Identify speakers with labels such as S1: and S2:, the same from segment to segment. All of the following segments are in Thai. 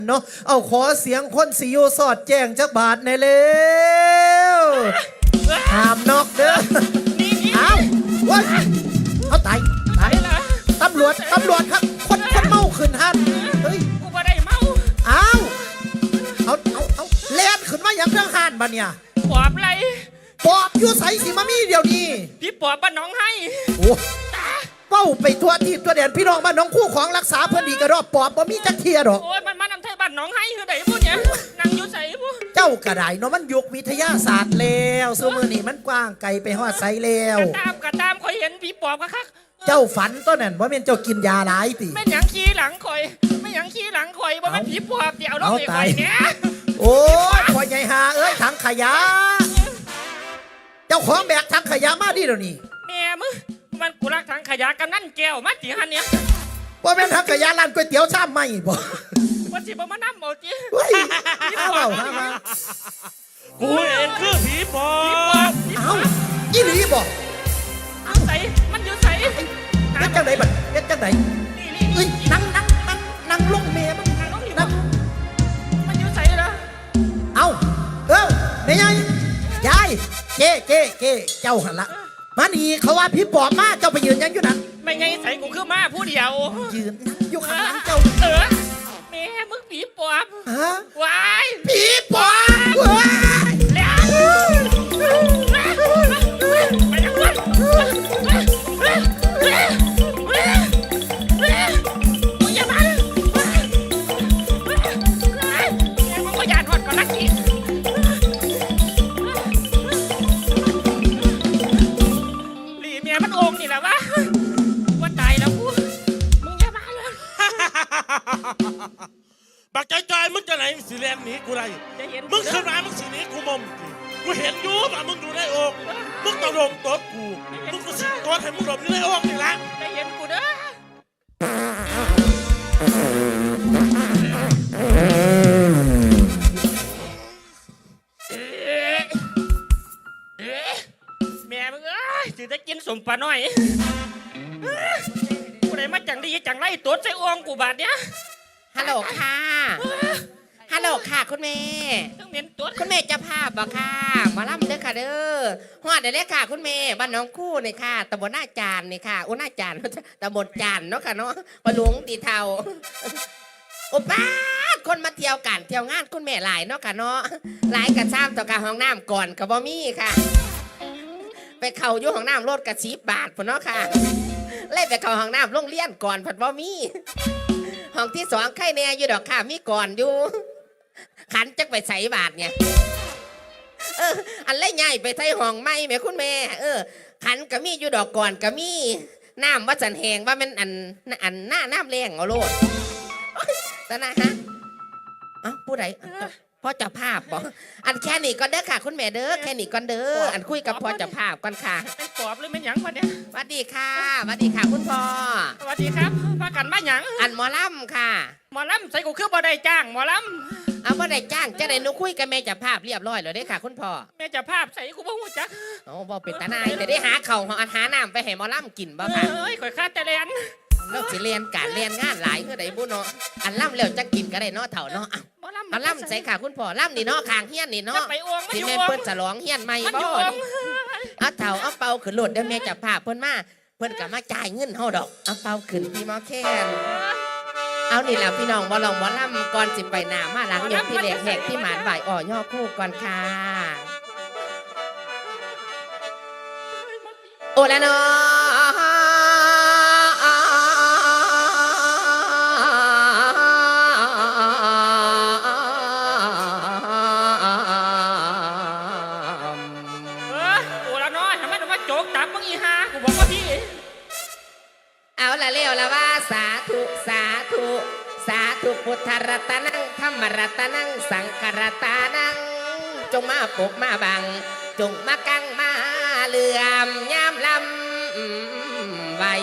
S1: เนาะเอาขอเสียงคนสิอยู่สอดแจ้งจักบาทในเร็วห้ามนอกเด้อเอาว้ยเอาตายตำรวจครับคนเมาขึ้นฮันเฮ้ย
S2: กูบ่ได้เมา
S1: เอาเล่นขึ้นมาอย่างเรื่องฮันบ้าเนี่ย
S2: ปอบไร
S1: ปอบอยู่ใสสิมามีเดี๋ยวนี้
S2: พี่ปอบบ้านน้องให้
S1: โอ้เป้าไปทั่วที่ตัวแดนพี่น้องบ้านน้องคู่ของรักษาเพื่อนดีกระรอบปอบบ่มีจักเทียดอก
S2: โอ้ยมันมานำไทยบ้านน้องให้คือไหนพูดเนี่ยนั่งอยู่ใส่พูด
S1: เจ้ากระไดเนาะมันยุควิทยาศาสตร์แล้วซูมือนี่มันกว้างไกลไปฮอดไสแล้ว
S2: กระตามคอยเห็นพี่ปอบคัก
S1: เจ้าฝันตัวนั้นว่าเป็นเจ้ากินยาหลายติ
S2: ไม่หยังขี้หลังคอยไม่หยังขี้หลังคอยว่ามันผีปอบเดี๋ยวเราไปคอยเนี่ย
S1: โอ้ยคอยใหญ่หาเอ้ยถังขยะเจ้าของแบกถังขยะมาดิเดี๋ยวนี้
S2: แม่มึงมันกูรักถังขยะกำนั่นแก้วมาจีฮันเนี่ย
S1: ว่าเป็นถังขยะร้านก๋วยเตี๋ยวชามไม่บ่
S2: ว่าสิบ่มานั่งเอาจี
S1: เอาเปล่ามา
S3: กูเองคือผีปอบ
S1: เอาอีหลีบ่
S2: เอาใส่มันอยู่ใส่
S1: เป็นจังไหนบัดเป็นจังไหนเอ้ยนั่งลงเมียมันนั่ง
S2: มันอยู่ใส่เหรอ
S1: เอาเนี่ยยายเจ๊เจ้าหันละมานี่เขาว่าพี่ปอบมาเจ้าไปยืนยังอยู่นั่น
S2: ไม่ไงใส่กูคือมาผู้เดียว
S1: ยืนอยู่ข้างหลังเจ้า
S2: แม่มึงผีปอบ
S1: ฮะ
S2: วาย
S1: ผีปอบว้าย
S2: แล้วไปยังวะมึงอย่ามามึงก็อย่าทอดก่อนนะกินหลีเมียมันองค์นี่แหละวะว่าตายแล้วกูมึงอย่ามาเลย
S3: บักใจมึงจะไหนสิแลนหนีกูไรมึงขึ้นมามึงสิหนีกูมอมกูเห็นอยู่ว่ามึงอยู่ในอกมึงต้องดมตัวกูมึงก็สิตัวให้มึงดมอยู่ในอกนี่แหละ
S2: ได้เห็นกูเด้อแม่มึงสิได้กินสมปลาหน่อยกูได้มาจังดีจังไรตัวใจอ้วงกูบาดเนี้ย
S4: ฮัลโหลค่ะฮัลโหลค่ะคุณแม่คุณแม่จะภาพบ่ค่ะมาล่ำเด้อค่ะเด้อฮอดได้เลยค่ะคุณแม่บ้านน้องคู่นี่ค่ะตำบลหน้าจานนี่ค่ะอุหน้าจานตำบลจานเนาะค่ะเนาะปลวงตีเทาโอ้ป้าคนมาเที่ยวกันเที่ยวงานคุณแม่หลายเนาะค่ะเนาะหลายกระซ้ำต่อการห้องน้ำก่อนกับบ่มีค่ะไปเข้าอยู่ห้องน้ำรถกระชีบบาทพอเนาะค่ะเล่ไปเข้าห้องน้ำโรงเรียนก่อนผัดบ่มีห้องที่สองไข่แน่อยู่ดอกค่ะมีก่อนอยู่ขันจักไปใส่บาทเนี่ยอันเล่ใหญ่ไปใส่ห้องไม่แม่คุณแม่ขันก็มีอยู่ดอกก่อนก็มีน้ำว่าสันแหงว่ามันอันหน้าน้ำแรงเอาโลดตานะฮะผู้ใดพ่อเจ้าภาพบอกอันแค่นี้ก็เด้อค่ะคุณแม่เด้อแค่นี้ก็เด้ออันคุยกับพ่อเจ้าภาพก่อนค่ะ
S2: เป็นปอบหรือเป็นหยังวะเนี่ย
S4: สวัสดีค่ะสวัสดีค่ะคุณพ่อ
S2: สวัสดีครับมากันมาหยัง
S4: อันหมอลำค่ะ
S2: หมอลำใส่กูคือบ่ได้จ้างหมอลำ
S4: เอาบ่ได้จ้างจะได้หนูคุยกับแม่เจ้าภาพเรียบร้อยแล้วเด้อค่ะคุณพ่อ
S2: แม่เจ้าภาพใส่กูบ่ฮู้จัก
S4: โอ้บ่เป็นตาหนายแต่ได้หาข้าวหาน้ำไปให้หมอลำกินบ่ค่ะ
S2: ข่อยคาดแต่เรียน
S4: แล้วสิเรียนการเรียนงานหลายคือใดบุเนาะอันล่ำแล้วจะกินก็ได้เนาะเถ่าเนาะอันล่ำใส่ค่ะคุณพ่อล่ำนี่เนาะคางเฮี้ยนนี่เนาะที่แม่เปิ้นฉลองเฮี้ยนใหม่บ่เอาเถ่าเอาเป่าขึ้นรถเดี๋ยวแม่จะพาเพิ่นมาเพิ่นก็มาจ่ายเงินเฮาดอกเอาเป่าขึ้นพี่หมอแคนเอานี่แหละพี่น้องบ่ลองบ่ล่ำก่อนสิไปหน้ามาหลังอย่างพี่แหลกแหกที่หมานไหวย่อคู่ก่อนค่ะโอละเนาะเอาละเลี้ยวละว่าสาธุสาธุสาธุพุทธรัตนังธรรมรัตนังสังฆรัตนังจงมาปกมาบังจงมากังมาเหลื่อมย่ำลำไว้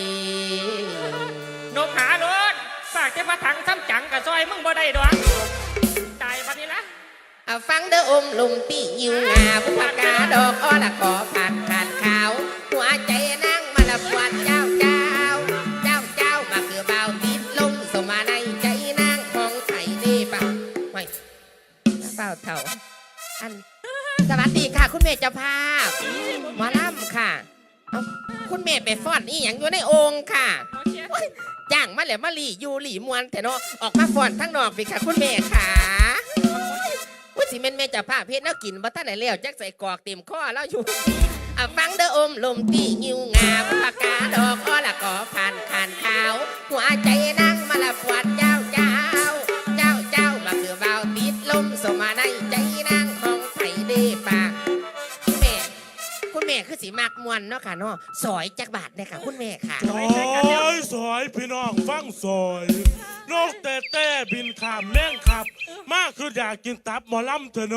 S2: นกหารถฝากจะมาถังซ้ำจังกับซอยมึงบ่ได้ดอกตายวันนี้ละ
S4: ฟังเด้อมลุมตียิวงาผู้กาดอกอ้อละขอผ่านขาดขาวหัวใจนั่งมาละปวดเจ้ามาคือเบาติดลงสมาในใจนางของไทยเดฝ้าเถ่าอันสวัสดีค่ะ คุณแม่เจ้าภาพหมอลำค่ะเอ้าคุณแม่ไปฟ้อนนี่อย่างอยู่ในองค์ค่ะโอ๊ยจ้างมาแล้วมาหลีอยู่หลีมวนแต่เนาะออกมาฟ้อนทั้งนอกไปค่ะ คุณแม่ค่ะว่าสิแม่นแม่เจ้าภาพเพชรแล้วกินบ่ทันไหนแล้วจักใส่กรอกเต็มข้อแล้วอยู่ฟังเด้ออมลมตีงิวงามปากกาดอกอ้อละก่อผ่านขานขาวหัวใจนั่งมาละปวดเจ้ามาคือเบาติดลมสมาในใจนั่งห้องไผ่เดปากคุณแม่คือสีมากมวนเนาะค่ะเนาะสอยจักบาทเลยค่ะคุณแม่ค่ะ
S3: สอยพี่น้องฟังสอยนกแต่บินข้ามแม่งขับ มากคืออยากกินตับหมอลำเถอะโน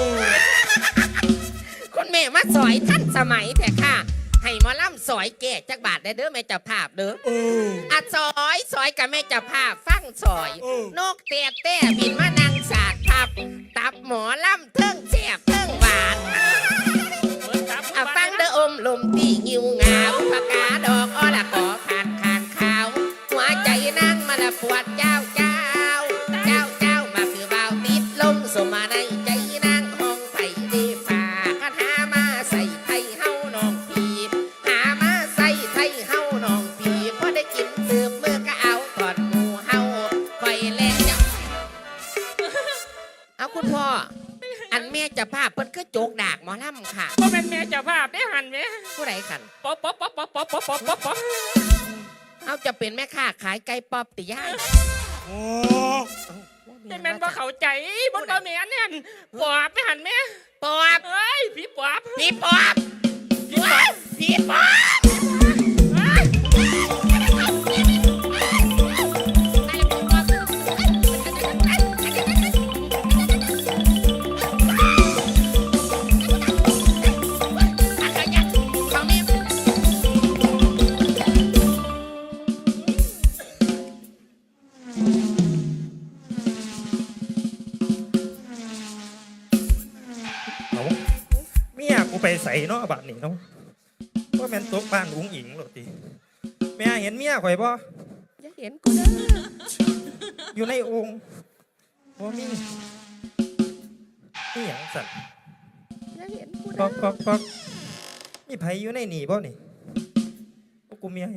S4: คุณแม่มาสอยท่านสมัยแต่ค่ะให้หมอลำสอยแก่จักบาทได้เด้อแม่เจ้าภาพเด้ออะสอยกับแม่เจ้าภาพฟังสอยนกแต่บินมานั่งสาดทับตับหมอลำเทิงแซ่บเทิงหวานฟังเด้ออมลมตีงิวงามปากกาดอกอ้อละก่อขานขาวหัวใจนั่งมาละปวดเจ้ามาคือเบาติดลมสมาในใจนั่งห้องไผ่ดีฝ่าคันหามาใส่ไทยเฮาน้องพีหามาใส่ไทยเฮาน้องพีพอได้กินเติมมือก็เอาถอดหมูเฮาคอยแลกเจ้าเอาคุณพ่ออันแม่จะภาพเพิ่นก็โจกดากหมอลำค่ะ
S2: ก็เป็นแม่เจ้าภาพได้หันไหม
S4: ผู้ใดขัน
S2: ป๊อป
S4: เอาจะเป็นแม่ค้าขายไก่ป๊อปติย่าย
S3: โอ้
S2: แต่แม่นว่าเข้าใจบ่แม่นเนี่ยปอบไม่หันแม่
S4: ป๊อป
S2: เฮ้ยผีปอบ
S4: พี่ป๊อปพี่ป๊อป
S1: เมียกูไปใส่เนาะบัดนี้เนาะว่าแม่นตกบ้านอุ้งอิงหรอติแม่เห็นเมียข่อยบ่
S4: อย่าเห็นกูเด้อ
S1: อยู่ในองค์บ่มีนี่หยังสั่น
S4: อย่าเห็นกู
S1: ป
S4: เด้
S1: อก
S4: อ
S1: มีไผอยู่ในนี่บ่นี่พวกกูเมีย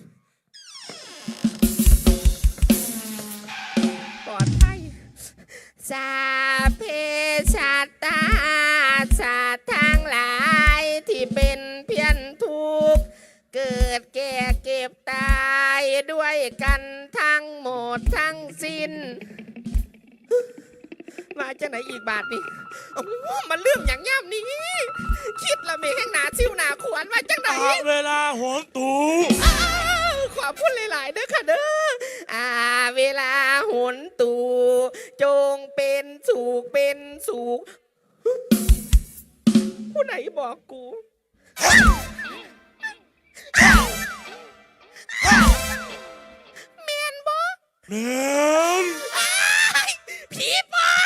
S4: ปลอดภัยสาเพชาตาสัตว์ทั้งหลายที่เป็นเพียนทุกข์เกิดแก่เก็บตายด้วยกันทั้งหมดทั้งสิ้นมาจากไหนอีกบาทนี่โอ้มันเรื่องอย่างย่ำนี้คิดละเมแห่งหนาซิวหนาขวานมาจากไหน
S3: เวลาโหนตู
S4: ขอพูดหลายๆเด้อค่ะเด้อเวลาหนตูจงเป็นสุขผู้ไหนบอกกูเมียนบอก
S3: แม่น
S4: ผีปอบ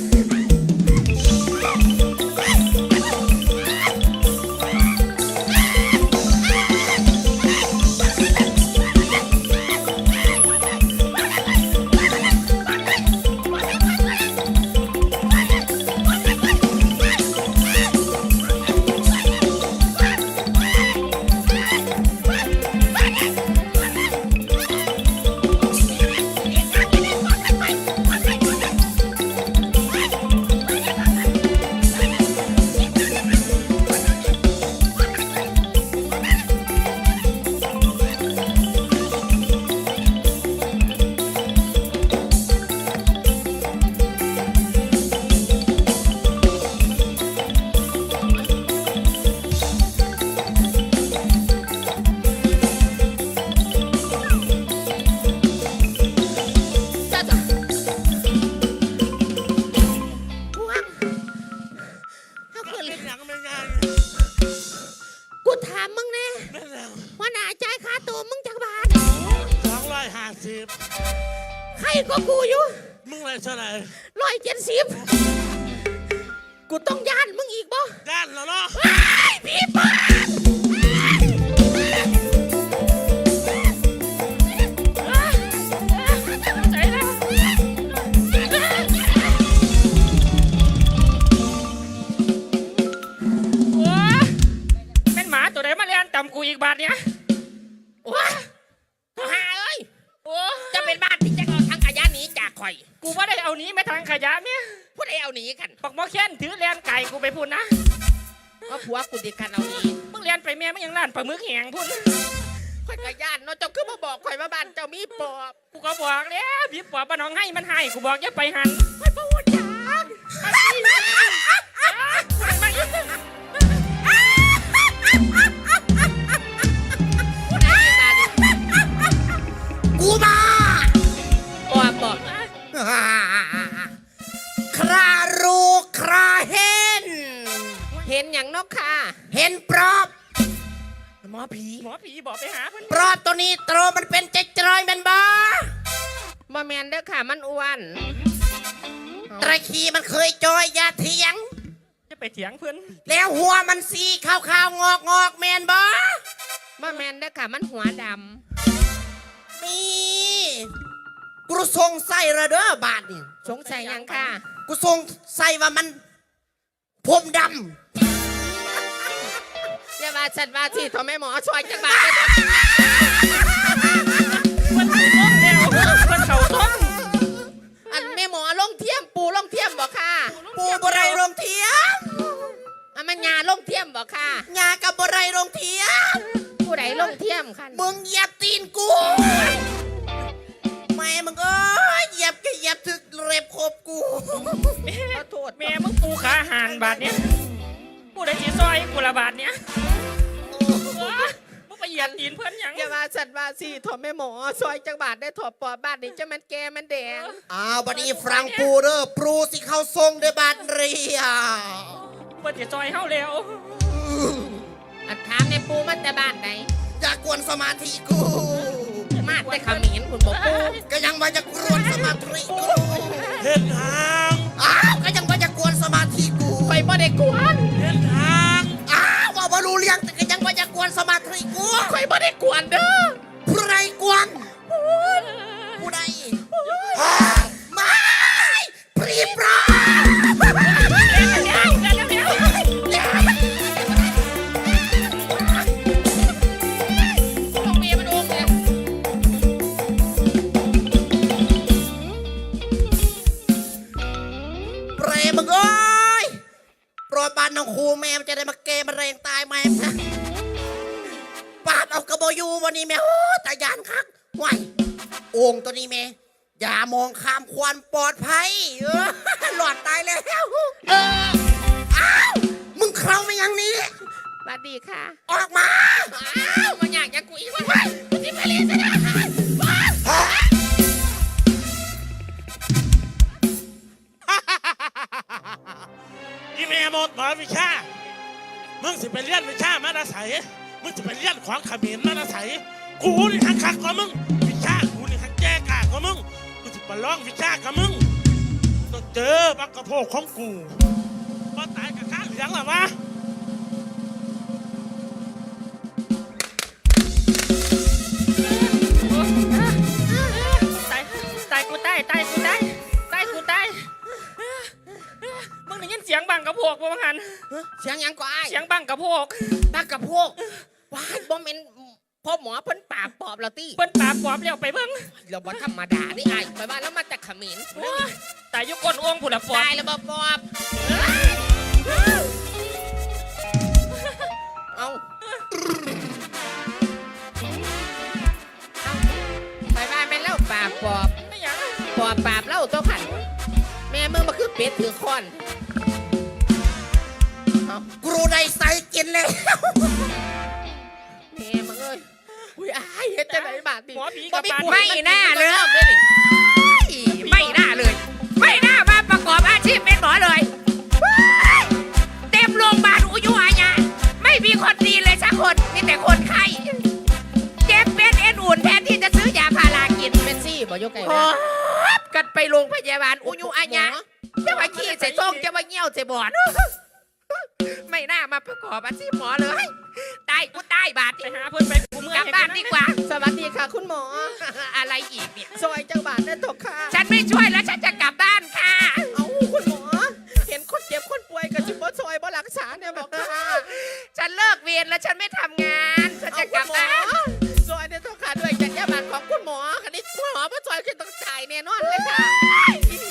S3: 250
S4: ใครก็กูอยู่
S3: มึงอะไรเท่าไหร่
S4: 170กูต้องย่านมึงอีกบ่
S3: ด้านแล้วเนาะ
S4: พี่ป้า
S2: กูว่าได้เอาหนีไม่ทางขยะเนี่ย
S4: ผู้ใดเอาหนีกัน
S2: ปักหมอแค้นถือแลนไก่กูไปพูดนะ
S4: ว่าผัวกูติดกันเอาหนี
S2: มึงแลนไปแม่มึงยังล้านปลาหมึกแหงพูด
S4: ข่อยกระย่านเนาะเจ้าคือมาบอกข่อยว่าบ้านเจ้ามีปอบ
S2: กูก็บอกแล้วพี่ปอบบ้านน้องให้มันให้กูบอกอย่าไปหัน
S4: ข่อยบ่ฮู้จัก
S2: มาสิมา
S4: ผู้ใดมีบ้าน
S1: กูมา
S4: ปอบบอก
S1: ครารูคราเห็น
S4: เห็นอย่างเนกค่ะ
S1: เห็นปลอบ
S4: หมอผี
S2: หมอผีบอกไปหาเพิ่น
S1: ปลอบตัวนี้โตรมันเป็นใจจอยแมันบ่
S4: บ่แมนเด้อค่ะมันอ้วน
S1: ไตรคีมันเคยจอยอย่าเถียง
S2: จะไปเถียงเพิ่น
S1: แล้วหัวมันสีขาวๆงอกๆแมนบ่
S4: บ่แมนเด้อค่ะมันหัวด
S1: มีกูสงสัยระเด้อบาทนี่
S4: ำสงสัยหยังค่ะ
S1: กูสงสัยว่ามันผมด
S4: อย่าว่าฉันว่าที่ทอแม่หมอช่วยจังบาดเด้อ
S2: เพิ่นถูกต้องแล้วเพิ่นเข้าต้อง
S4: อันแม่หมอลงเทียมปูลงเทียมบอกค่ะ
S1: ำปูบไรโรงเทียม
S4: อันมันยาลงเทียมบอกค่ะ
S1: ยากับบไรโรงเทียม
S4: ผู้ใดลงเทียมค่ะ
S1: มึงเหยียบตีนกูแม่มึงเอ้ยเหยียบก็เหยียบถึกเร็บคบกู
S4: ขอโทษ
S2: แม่มึงปูขาหานบาทเนี้ยกูได้จีซอยกูละบาทเนี้ยมึงไปเหยียดตีนเพื่อนหยัง
S4: อย่าว่าฉันว่าสิทอแม่หมอช่วยจังบาดได้ถอดปอบบ้านนี้จะมันแก่มันแดง
S1: อ้าวบัดนี้ฟรังปูเด้อปรูสิเข้าทรงเด้อบาดเรีย
S2: เพื่อนจะซอยเฮาแล้ว
S4: อันถามในปูมันแต่บ้านไหน
S1: อย่ากวนสมาธิกู
S4: มาแต่ขมิ้นคุณบอกปู
S1: ก็ยังว่าจะกวนสมาธิกู
S3: เห็นทาง
S1: อ้าวก็ยังว่าจะกวนสมาธิกู
S4: ไปบ่ได้กวน
S3: เห็นทาง
S1: อ้าวว่าบ่รู้เรื่องแต่ก็ยังว่าจะกวนสมาธิกู
S4: ไปบ่ได้กวนเด้อ
S1: ผู้ใดกวนผู้ใดไม่พรีปรา
S4: ลงเมียมันโองเลย
S1: เปรมึงเอ้ยโปรดบานน้องครูแม่มันจะได้มาเกมมาเรงตายแม่นะปาดเอากระโบอยูวันนี้แม่โอ้ตายานคักไหวโอ่งตัวนี้แม่อย่ามองข้ามความปลอดภัยหลอดตายแล้วอ้าวมึงเข้ามาอย่างนี้
S4: สวัสดีค่ะ
S1: ออกมา
S4: อ้าวมันอยากจะกุยว่าไงกูที่ไปเรียนซะนะ
S3: อีเมลหมดหมอวิชามึงสิไปเรียนวิชามาดาใสมึงสิไปเรียนของขมิ้นมาดาใสกูนี่ขังคักกว่ามึงวิชากูนี่ขังแจ้กากว่ามึงกูสิไปลองวิชากับมึงต้องเจอบักกระโพกของกูพอตายกับข้าเหลืองหรอวะ
S2: ตายกูตายตายกูตายตายกูตายมึงได้ยินเสียงบังกระโพกบ่บังหัน
S4: เสียงหยังก็อ้าย
S2: เสียงบังกระโพก
S4: บ้ากระพวกว้ายบ่แม่นพ่อหมอเพิ่นปราบปอบแล้วติ
S2: เปิ้นปราบปอบแล้วไปเบิ่ง
S4: เราบ่ธรรมดานี่อ้ายไปบ้านแล้วมาจากเขมิ้น
S2: โอ้ยตายอยู่ก้นโอ่งผู้ละปอบ
S4: ตายแล้วบ่ปอบเอาไปบ้านแม่นเล่าปราบปอบ
S2: ไม่หยัง
S4: ปอบปราบเล่าตัวขันแม่มึงมาคือเป็ดถือค้อนเอา
S1: กูรู้ได้ใส่กินเลย
S4: แม่มึงเอ้ยอุ้ยอ้ายเฮ็ดจังไหนบาดดิ
S2: หมอผีกับปาด
S4: ไม่น่าเลย
S5: ไม่น่าเลย ไม่น่ามาประกอบอาชีพเป็นหมอเลยเต็มโรงพยาบาลอุยุอาญาไม่มีคนดีเลยสักคนมีแต่คนไข้เจ็บเป็นเอ็นอุ่นแทนที่จะซื้อยาพารากิน
S4: เป็นซี่บ่ยกไก่
S5: หอบกันไปโรงพยาบาลอุยุอาญาจะมาขี้ใส่ซองจะมาเงี้ยวใส่บอดไม่น่ามาประกอบอาชีพหมอเลยตายกูตายบาด
S2: ไปหาเพิ่นไปกูเมื่อย
S5: กลับบ้านดีกว่า
S4: สวัสดีค่ะคุณหมอ
S5: อะไรอีกเนี่ย
S4: ซอยจังบาดได้ตกค่ะ
S5: ฉันไม่ช่วยแล้วฉันจะกลับบ้านค่ะ
S4: เอาคุณหมอ เห็นคนเจ็บคนป่วยกับจิบบ่ซอยบ่รักษาเนี่ยบอกค่ะ
S5: ฉันเลิกเรียนแล้วฉันไม่ทำงานฉันจะกลับบ้าน
S4: ซอยได้ตกค่ะด้วยจัญญาบัตรของคุณหมอคันนี้คุณหมอบ่ซอยคือต้องจ่ายแน่นอนเลยค่ะ
S5: อี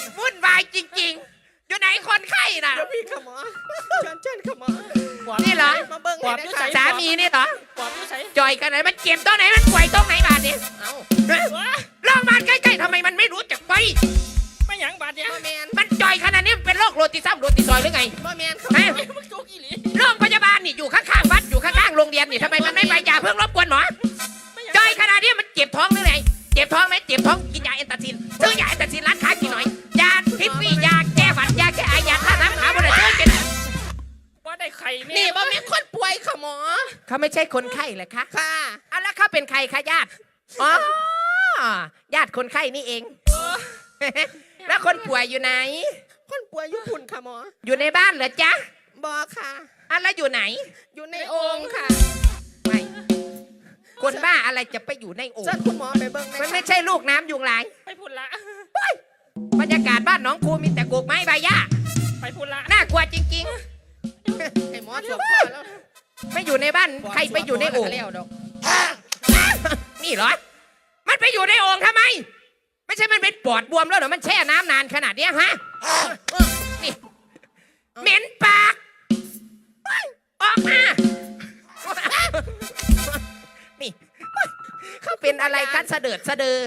S2: ปอบอยู่ใส่
S5: สามีนี่เหรอ
S2: ปอบอยู่ใส่
S5: จอยกันไหนมันเจ็บตรงไหนมันป่วยตรงไหนบาดเนี่ย
S4: เอา
S5: ลองมาใกล้ๆทำไมมันไม่รู้จักไป
S2: ไม่หยังบาดเนี่ย
S4: บ่แมน
S5: มันจอยขนาดนี้มันเป็นโรคโรติซัมโรติซอยหรือไง
S4: บ่แมนเขา
S5: ฮะ
S2: มึงโจกอีหลี
S5: โรงพยาบาลนี่อยู่ข้างๆวัดอยู่ข้างๆโรงเรียนนี่ทำไมมันไม่ไปอย่าเพิ่งรบกวนหมอ
S2: ไม่หยัง
S5: จอยขนาดนี้มันเจ็บท้องหรือไงเจ็บท้องไหมเจ็บท้องกินยาเอนตาซินซื้อยาเอนตาซินร้านค้ากินหน่อยยาพิษฟี่ยาแก้หวัดยาแก้ไอยาท่าน้ำขาบนซื้อกิน
S2: ว่าได้ไข่แม่
S4: นี่บ่แมนคนป่วยค่ะหมอ
S5: เขาไม่ใช่คนไข้เลยคะ
S4: ค่ะ
S5: อ่ะแล้วเขาเป็นใครคะญาติอ๋อญาติคนไข้นี่เอง แล้วคนป่วยอยู่ไหน
S4: คนป่วยอยู่พุ่นค่ะหมอ
S5: อยู่ในบ้านเหรอจ๊ะ
S4: บ่ค่ะ
S5: อ่ะแล้วอยู่ไหน
S4: อยู่ในโองค์ค่ะ
S5: ไม่คนบ้าอะไรจะไปอยู่ในโอ่ง
S4: เชิญคุณหมอไปเบิ่งห
S5: มัน
S4: อย
S5: ไม่ใช่ลูกน้ำยุงลาย
S2: ไปพุ่นละ
S5: บรรยากาศบ้านหน้องครูมีแต่โกกไม้ใบหญ้า
S2: ไปพุ่นละ
S5: น่ากลัวจริง
S4: ให้หมอสวมคอแล้ว
S5: ๆ ไม่อยู่ในบ้านใครไปอยู่ในโอ่ง
S4: แล้วดอก
S5: นี่เหรอ มันไปอยู่ในโอ่งทำไม ไม่ใช่มันเป็นปอดบวมแล้วเหรอมันแช่น้ำนานขนาดเนี้ยฮะนี่เหม็นปากเฮ้ยออกมานี่เขาเป็นอะไรกันสะเดิดสะเดือ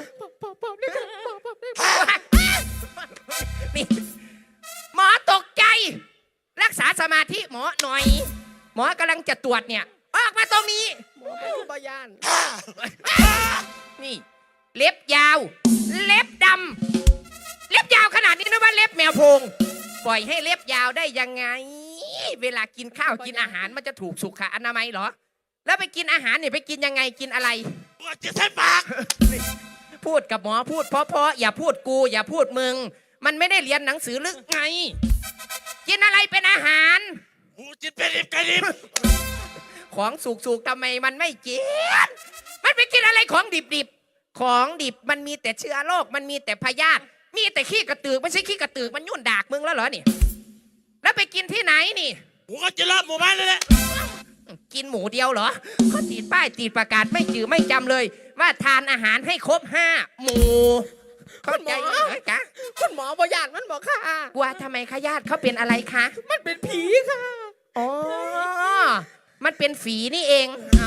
S5: นี่หมอตกใจ รักษาสมาธิหมอหน่อย หมอกำลังจะตรวจเนี่ย ออกมาตรงนี้
S4: หมอเป็นบ่ยาน
S5: นี่ เล็บยาว เล็บดำเล็บยาวขนาดนี้นะว่าเล็บแมวโพงปล่อยให้เล็บยาวได้ยังไง เวลากินข้าวกินอาหารมันจะถูกสุขอนามัยเหรอ แล้วไปกินอาหารเนี่ยไปกินยังไงกินอะไร
S3: ว่าจะใช้ปาก
S5: พูดกับหมอพูดเพราะๆอย่าพูดกูอย่าพูดมึง มันไม่ได้เรียนหนังสือหรือไง กินอะไรเป็นอาหาร
S3: กูจิตเป็นดิบกระดิบ
S5: ของสุกๆทำไมมันไม่กิน มันไปกินอะไรของดิบๆ ของดิบมันมีแต่เชื้อโรคมันมีแต่พยาธิมีแต่ขี้กระตือกไม่ใช่ขี้กระตือกมันยุ่นดากมึงแล้วเหรอนี่ แล้วไปกินที่ไหนนี่
S3: กูก็จะรอบหมู่บ้านเลยแหละ
S5: กินหมูเดียวเหรอเขาติดป้ายติดประกาศไม่จือไม่จำเลย ว่าทานอาหารให้ครบ5 หมู่เข้าใจไหมจ๊ะ
S4: คุณหมอบ่ยานมันบอกค่ะ
S5: กลัวทำไมคะญาติเขาเป็นอะไรคะ
S4: มันเป็นผีค่ะ
S5: อ๋อ มันเป็นฝีนี่เอง
S4: เอา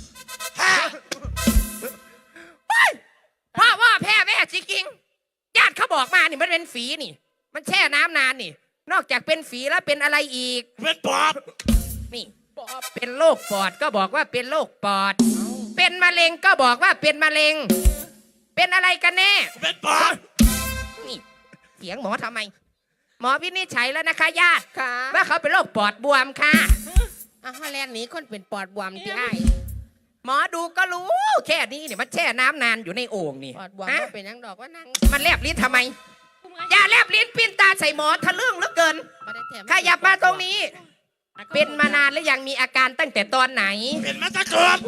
S5: พ่อว่าแพ้แม่จริงๆญาติเขาบอกมานี่มันเป็นฝีนี่ มันแช่น้ำนานนี่ นอกจากเป็นฝีแล้วเป็นอะไรอีก
S3: เป็นปอบ
S5: นี่
S4: ปอบ
S5: เป็นโรคปอดก็บอกว่าเป็นโรคปอด เป็นมะเร็งก็บอกว่าเป็นมะเร็ง เป็นอะไรกันแน่
S3: เป็นปอบ
S5: นี่เสียงหมอทำไม หมอวินิจฉัยแล้วนะคะญาติ
S4: ค่ะ
S5: ว่าเขาเป็นโรคปอดบวมค่ะ
S4: อาฮอลแลนด์นี้คนเป็นปอดบวมที่ไอ้าย
S5: หมอดูก็รู้ แค่นี้เนี่ยมันแช่น้ำนานอยู่ในโอ่งนี่
S4: ปอดบวม
S5: ฮะ
S4: บ่เป็นหยังดอกว่านั่ง
S5: มันแลบลิ้นทำไม อย่าแลบลิ้นปิ้นตาใส่หมอทะลึ่งเหลือเกิน
S4: บ่ได้แถม
S5: ขยับมาตรงนี้ เป็นมานานแล้วยังมีอาการตั้งแต่ตอนไหน
S3: เป็นมาตะเกิด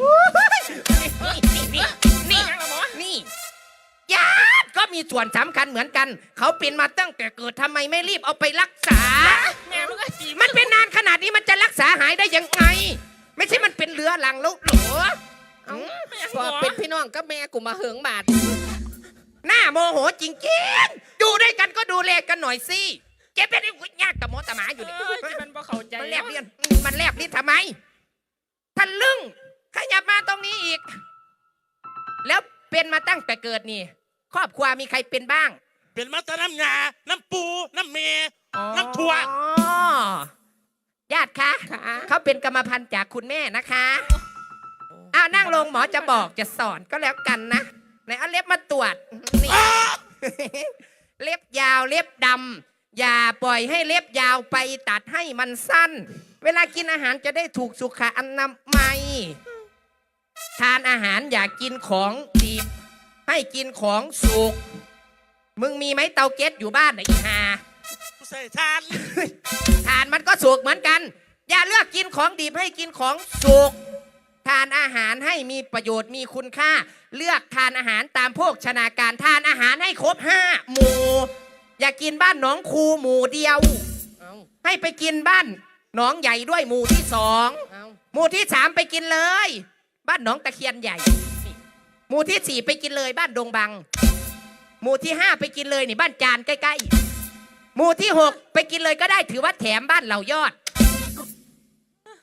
S5: นี่นี่ญาติก็มีส่วนสำคัญเหมือนกัน เขาเป็นมาตั้งแต่เกิดทำไมไม่รีบเอาไปรักษา
S2: แม่มึงก็จี
S5: มันเป็นนานขนาดนี้มันจะรักษาหายได้ยังไง ไม่ใช่มันเป็นเรื้อรังแล้วเหรอ
S4: เอาปอดเป็นพี่น้องกับแม่กูมาเหิงบาด
S5: หน้าโมโหจริงๆดูด้วยกันก็ดูแลกันหน่อยสิแกเป็นไอ้หุ่นยากกับหมอตาหมาอยู่นี่
S2: มันบ่เข้าใจ
S5: มันแลบลิ้นมันแลบลิ้นทำไมทะลึ่งขยับมาตรงนี้อีก แล้วเป็นมาตั้งแต่เกิดนี่ ครอบครัวมีใครเป็นบ้าง
S3: เป็นมาตะน้ำยาน้ำปูน้ำเมน้ำถั่ว
S5: อ๋อญาติคะเขาเป็นกรรมพันธุ์จากคุณแม่นะคะอ้าวนั่งลงหมอจะบอกจะสอนก็แล้วกันนะไหนเอาเล็บมาตรวจนี่ เล็บยาวเล็บดำอย่าปล่อยให้เล็บยาวไปตัดให้มันสั้น เวลากินอาหารจะได้ถูกสุขอนามัยทานอาหารอย่ากินของดิบให้กินของสุกมึงมีไหมเตาแก๊สอยู่บ้านไหนอีห่า
S3: กูใส่ทาน
S5: ทานมันก็สุกเหมือนกัน อย่าเลือกกินของดิบให้กินของสุกทานอาหารให้มีประโยชน์มีคุณค่า เลือกทานอาหารตามโภชนาการทานอาหารให้ครบ5 หมู่ อย่ากินบ้านหนองคูหมู่เดียว
S4: เอา
S5: ให้ไปกินบ้านหนองใหญ่ด้วยหมู่ที่
S4: เอา
S5: 2 หมู่ที่ 3ไปกินเลย บ้านหนองตะเคียนใหญ่ หมู่ที่ 4ไปกินเลยบ้านดงบัง หมู่ที่ 5ไปกินเลยนี่บ้านจานใกล้ๆหมู่ที่ 6ไปกินเลยก็ได้ถือว่าแถมบ้านเหล่ายอด จ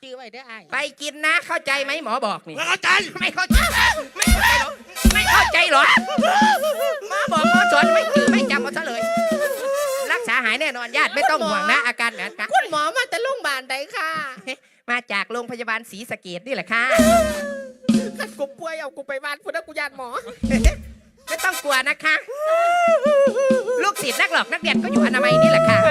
S4: จื้อไว้เด้อไอ้
S5: ไปกินนะเข้าใจไหมหมอบอกนี่
S3: ไม่เข้าใจ
S5: ไม่เข้าใจไม่เข้าใจหรอไม่เข้าใจหรอหมอบอกหมอสอนไม่จือไม่จำเอาซะเลย รักษาหายแน่นอนญาติไม่ต้องห่วงนะอาการแบบนี้
S4: คุณหมอมาแต่โรงพยาบาลใดค่ะ
S5: มาจากโรงพยาบาลศรีสะเกษนี่แหละค่ะ
S4: ขัดกูป่วยเอากูไปบ้านพุ่นนะกูยานหมอ
S5: ไม่ต้องกลัวนะคะ ลูกศิษย์นักหลอกนักเรียนก็อยู่อนามัยนี่แหละค่ะ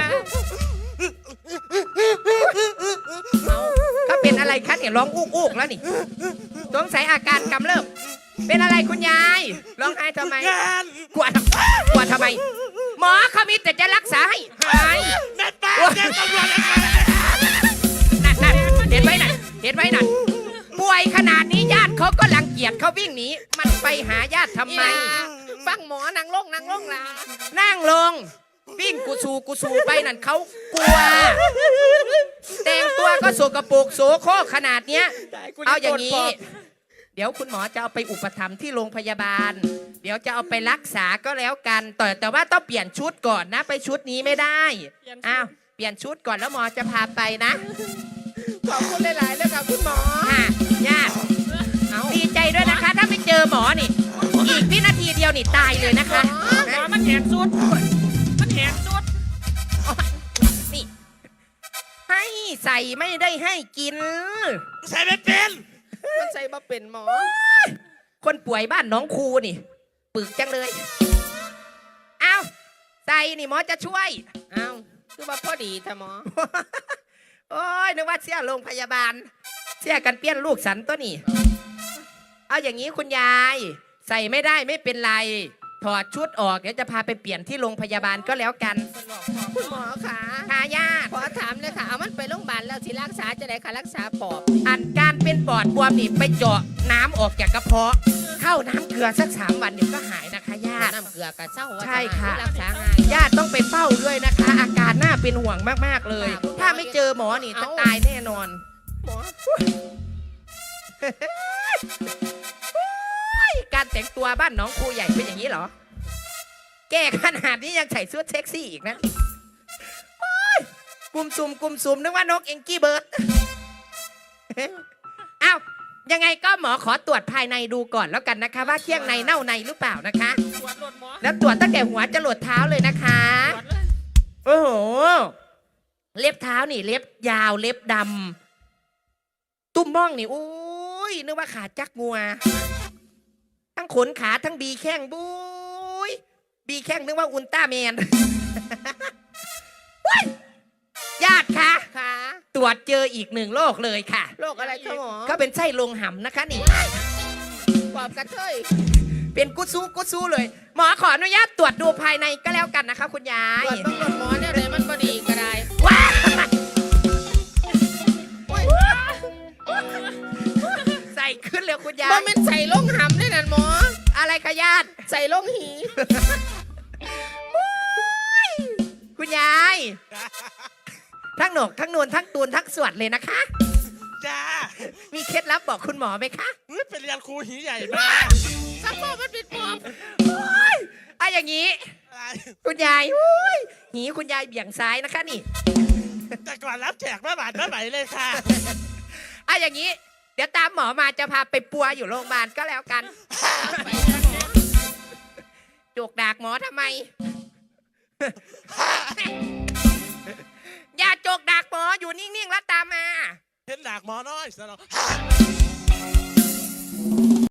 S5: เขาเป็นอะไรคะเนี่ยร้องอู้อู้แล้วนี่สงสัยอาการกำเริบเป็นอะไรคุณยายร้องไห้ทำไม
S3: งาน
S5: กลัวทำไม หมอเขามีแต่จะรักษาให้หาย
S3: แม่ป้าแจ้งตำรวจเลยค่ะ
S5: นั่นเห็นไว้นั่นเห็นไว้นั่นป่วยขนาดนี้ญาติเขาก็รังเกียจเขาวิ่งหนีมันไปหาญาติทำไม
S4: ฟังหมอนั่งลงล่ะ
S5: นั่งลงวิ่งกูสูไปนั่นเขากลัว แต่งตัวก็โสกปรกโสโครกขนาดเนี้ย เอาอย่างนี้ เดี๋ยวคุณหมอจะเอาไปอุปถัมภ์ที่โรงพยาบาล เดี๋ยวจะเอาไปรักษาก็แล้วกันแต่ว่าต้องเปลี่ยนชุดก่อนนะไปชุดนี้ไม่ได้อ้าวเปลี่ยนชุดก่อนแล้วหมอจะพาไปนะ
S4: ขอบคุณหลายๆเลยค่ะคุณหมอ
S5: ค่ะญาติดีใจด้วยนะคะ ถ้าไม่เจอหมอนี่ อีกวินาทีเดียวนี่ตายเลยนะคะ
S2: หมอมันแหงสุดมันแหงสุด
S5: นี่ให้ใส่ไม่ได้ให้กิน
S3: ใส่ไม่เป็น
S4: มันใส่มาเป็นหมอ
S5: คนป่วยบ้านน้องครูนี่ ปึกจังเลย เอาใส่นี่หมอจะช่วย
S4: เอ้าคือว่าพอดีแต่หมอ
S5: โอ้ยนึกว่าเสียโรงพยาบาล เสียกันเปี้ยนลูกสันตัวนี่ เอาอย่างนี้คุณยาย ใส่ไม่ได้ไม่เป็นไร ถอดชุดออกเดี๋ยวจะพาไปเปลี่ยนที่โรงพยาบาลก็แล้วกัน
S4: คุณหมอค่ะ
S5: ทายาท
S4: ขอถามเลยค่ะ เอามันไปโรงพยาบาลแล้วสิรักษาจะได้ค่ะรักษาปอบ
S5: อันการเป็นปอดบวมนี่ไปเจาะน้ำออกจากกระเพาะ เข้าน้ำเกลือสัก3 วันเดี๋ยวก็หายนะคะญาติ
S4: น้ำเกลือกับเศร้า
S5: ใช่ค่ะ
S4: รักษาง่าย
S5: ญาติต้องไปเฝ้าด้วยนะคะ อาการน่าเป็นห่วงมากๆเลย
S4: ค่ะ
S5: ถ้าไม่เจอหมอนี่จะ
S4: เอ้า
S5: ตายแน่นอน
S4: หมอ
S5: การแต่งตัวบ้านน้องครูใหญ่เป็นอย่างนี้เหรอ แก่ขนาดนี้ยังใส่เสื้อเซ็กซี่อีกนะโอ๊ยกุมซุมนึกว่านกเอ็งกี้เบิร์ด อ้าวยังไงก็หมอขอตรวจภายในดูก่อนแล้วกันนะคะ ว่าเคี้ยงในเน่าในหรือเปล่านะคะ
S2: ตรวจรถหมอ
S5: แล้วตรวจตั้งแต่หัวจรดเท้าเลยนะคะ
S2: ตรวจเลย
S5: โอ้โห เล็บเท้านี่เล็บยาวเล็บดำตุ้มม่องนี่อุ้ยนึกว่าขาจักงัว ทั้งขนขาทั้งบีแข้งบุยบีแข้งนึกว่าอุลตร้าแมน เฮ้ยญาติคะ
S4: ค่ะ
S5: ตรวจเจออีก1 โรคเลยค่ะ
S4: โรคอะไรคะหมอ
S5: ก็เป็นไส้ลงห่ำนะคะนี่
S4: ปอบกระเทย
S5: เป็นกุซูเลย หมอขออนุญาตตรวจดูภายในก็แล้วกันนะคะคุณยา
S4: ต
S5: ย
S4: รวจเบิ่งรถหมอเนี่ยเลยมันพอดีก็ได้
S5: ว้าใส่ขึ้นเลยคุณยา
S4: บ่
S5: ย
S4: แม่นใส่ลงหำเลยนั่นหมอ
S5: อะไรคะญาติ
S4: ใส่ลงหี
S5: คุณยาย ทั้งหนกทั้งนวลทั้งตูนทั้งสวดเลยนะคะ
S3: จ้า
S5: มีเคล็ดลับบอกคุณหมอไหมคะ
S3: เฮ้ยไปเรียนครูหีใหญ่มา
S4: สักปอบมันปิดปอบ
S5: เอาอย่างนี้
S3: อะไร
S5: คุณยายอุ้ยหีคุณยายเบี่ยงซ้ายนะคะนี่
S3: แต่ก่อนรับแจกแม่บาทแม่ไหวเลยค่ะ
S5: เอาอย่างนี้ เดี๋ยวตามหมอมาจะพาไปปัวอยู่โรงพยาบาลก็แล้วกัน จกดากหมอทำไม อย่าจกดากหมออยู่นิ่งๆแล้วตามมา
S3: เห็นหลากหมอน้อยสนอ